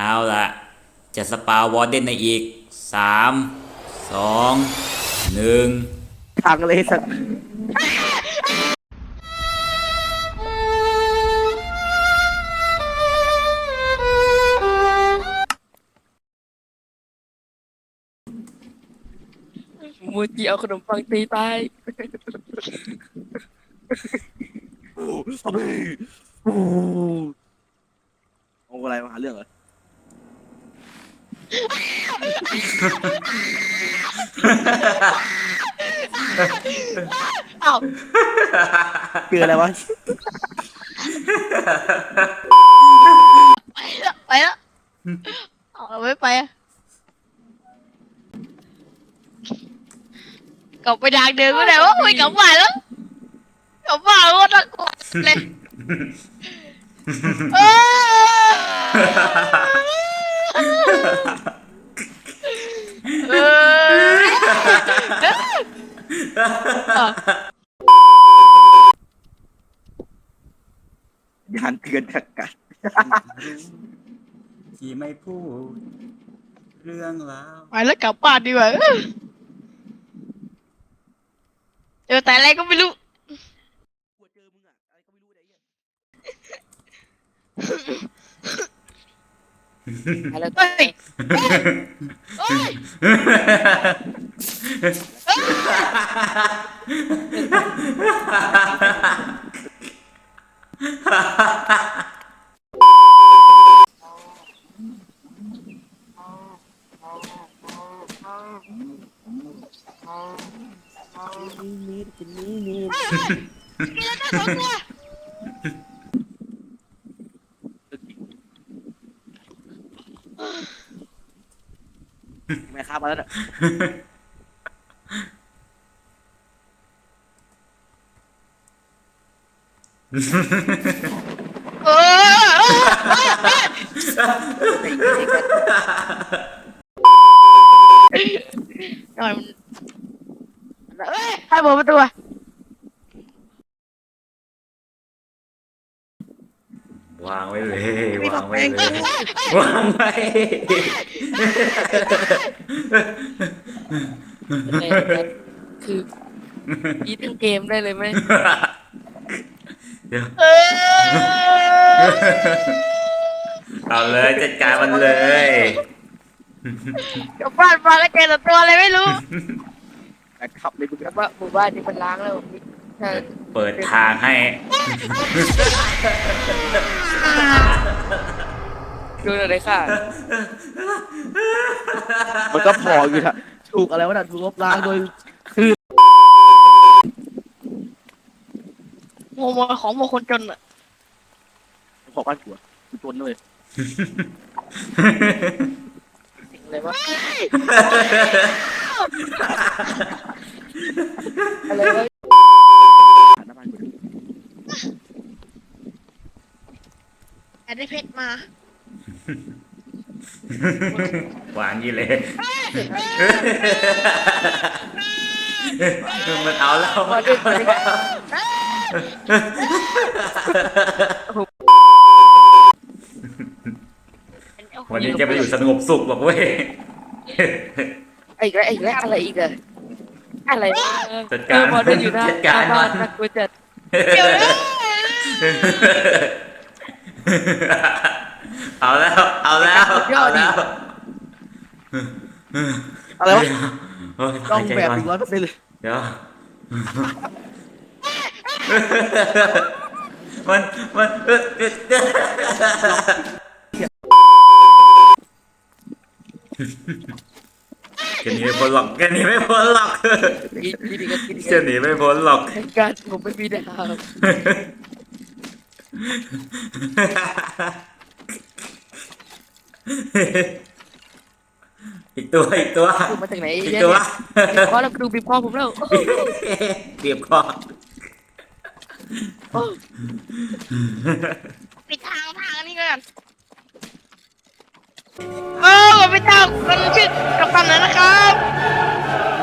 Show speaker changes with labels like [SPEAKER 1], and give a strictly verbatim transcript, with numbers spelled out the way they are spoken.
[SPEAKER 1] เอาล่ะจะสปาวอร์เดนในอีกสามสองหนึ่ง
[SPEAKER 2] ทางเลยสัตว์
[SPEAKER 3] มูจิเอาขนมปังตีตาย
[SPEAKER 2] โอ้ทำไมโอ้เอาอะไรมาหาเรื่องเหรอ
[SPEAKER 3] เอ้า
[SPEAKER 2] เจออะไรวะ
[SPEAKER 3] ไปแล้วไปแล้วเอาเราไม่ไปอะกลับไปทางเดิมก็ได้ว่าไม่กลับบ้านแล้วกลับบ้านก็น่ากลัวเลยเออเอ
[SPEAKER 2] ยานเตือนกักกัน
[SPEAKER 1] ที่ไม่พูดเรื่องราว
[SPEAKER 3] ไปแล้วกลับบ้านดีกว่าเจอแต่อะไรก็ไม่รู้
[SPEAKER 2] เจอมึงอะอะไรก็ไม่รู้ไอ้เหี้ย
[SPEAKER 3] อะไรเฮ้ยเฮ้ย
[SPEAKER 2] มีดกินนี้มีด
[SPEAKER 3] กินแล้วได้สองตัว
[SPEAKER 2] แม่ค้ามาแล้วน่ะ
[SPEAKER 3] เออหน่อยมันเอ้ยให้เปิดประตูอะ
[SPEAKER 1] วางไว้เลยวางไว้เลยวางไว้
[SPEAKER 3] คือยีทั้งเกมได้เลยไหม
[SPEAKER 1] เดี๋ยวเอาเลยจัดการมันเลย
[SPEAKER 3] กลับบ้านมาแล้วเจอแต่ตัวอะไรไม่รู้
[SPEAKER 2] แต่ขับเลยมึง
[SPEAKER 3] แต่ว่าหมู่บ้านนี้มันล้างแล้วใช่
[SPEAKER 1] เปิดทางให้
[SPEAKER 3] ดูอะไรค่ะ
[SPEAKER 2] มันก็พออยู่นะถูกอะไรวะน่ะถูกลบล้างโดยคือ
[SPEAKER 3] โมโมของโมคนจนอะ
[SPEAKER 2] ขอบ้านผัวกูจนเลย
[SPEAKER 3] สิ่งอะไรวะอะไรวะ
[SPEAKER 2] หน้าบ้านกู
[SPEAKER 3] แอดได้เพชรมา
[SPEAKER 1] หวานยี่เลยมันเอาแล้วมันเอาแล้ววันนี้จะไปอยู่สงบสุขหรอกเว้ย
[SPEAKER 3] อีกแล้วอีกแล้วอะไรอีกอะอะไรวะ
[SPEAKER 1] จัดการ
[SPEAKER 3] พอเดินอยู่หน้า
[SPEAKER 1] จัดการ
[SPEAKER 3] บ้านนักกูจัดเดี๋ยวนะ
[SPEAKER 1] เอาแล้วเอาแล้วเอาแล้ว
[SPEAKER 2] อะไรวะ
[SPEAKER 1] โอ้ย
[SPEAKER 2] ต้อง
[SPEAKER 1] หายใจ
[SPEAKER 2] แบบ
[SPEAKER 1] ก่อน
[SPEAKER 2] อีกร้อยเปอร์เซ็นต์เลย
[SPEAKER 1] เดี๋ยวมันมันเออเออแกหนีไม่พ้นหรอกแกหนีไม่พ้นหรอก
[SPEAKER 3] กินกินอีกแล้วกินอีก
[SPEAKER 1] จะหนีไม่พ้นหรอก
[SPEAKER 3] การผมไม่มีดาว
[SPEAKER 1] อีกตัวอีกตัว
[SPEAKER 3] ดูมาจากไหน
[SPEAKER 1] อีก
[SPEAKER 3] เยอะ
[SPEAKER 1] ตัว
[SPEAKER 3] เนี่ยพอแล้วดูบีบคอผมแล้ว
[SPEAKER 1] เบียบคอ
[SPEAKER 3] ปิดทางทางนี่ก่อนเออปิดทางกันชื่อกับตันนะครับ